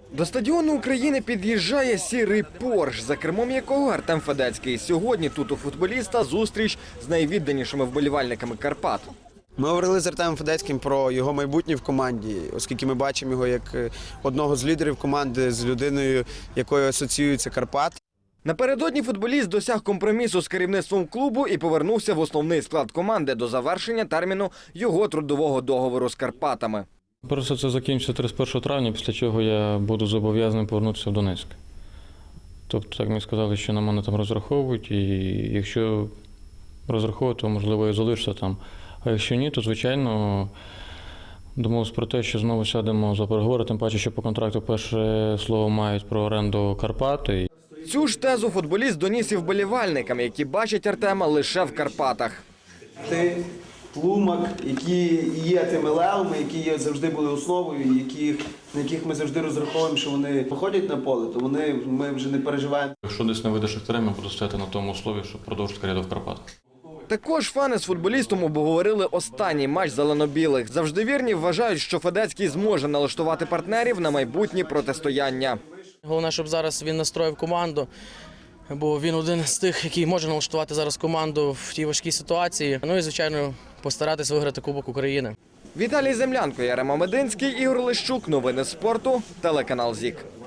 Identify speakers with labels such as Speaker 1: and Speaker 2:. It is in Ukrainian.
Speaker 1: До стадіону України під'їжджає сірий Порш, за кермом якого Артем Федецький. Сьогодні тут у футболіста зустріч з найвідданішими вболівальниками Карпат.
Speaker 2: Ми говорили з Артемом Федецьким про його майбутнє в команді, оскільки ми бачимо його як одного з лідерів команди, з людиною, якою асоціюється Карпат.
Speaker 1: Напередодні футболіст досяг компромісу з керівництвом клубу і повернувся в основний склад команди до завершення терміну його трудового договору з Карпатами.
Speaker 3: Просто це закінчиться 31 травня, після чого я буду зобов'язаний повернутися в Донецьк. Тобто, так мені сказали, що на мене там розраховують, і якщо розраховують, то, можливо, я залишуся там. А якщо ні, то, звичайно, домовилися про те, що знову сядемо за переговори, тим паче, що по контракту перше слово мають про оренду Карпати.
Speaker 1: Цю ж тезу футболіст доніс і вболівальникам, які бачать Артема лише в Карпатах.
Speaker 2: Ти Тлумак, які є тими левами, які завжди були основою, на яких ми завжди розраховуємо, що вони виходять на поле, то ми вже не переживаємо.
Speaker 3: Якщо десь не вийде Шахтарем, я буду стояти на тому услові, щоб продовжити кар'єру в Карпатах.
Speaker 1: Також фани з футболістом обговорили останній матч зелено-білих. Завжди вірні вважають, що Федецький зможе налаштувати партнерів на майбутні протистояння.
Speaker 4: Головне, щоб зараз він настроїв команду, бо він один з тих, який може налаштувати зараз команду в тій важкій ситуації. Ну і, звичайно, постаратись виграти Кубок України.
Speaker 1: Віталій Землянко, Ярема Мединський, Ігор Лещук. Новини спорту. Телеканал ЗІК.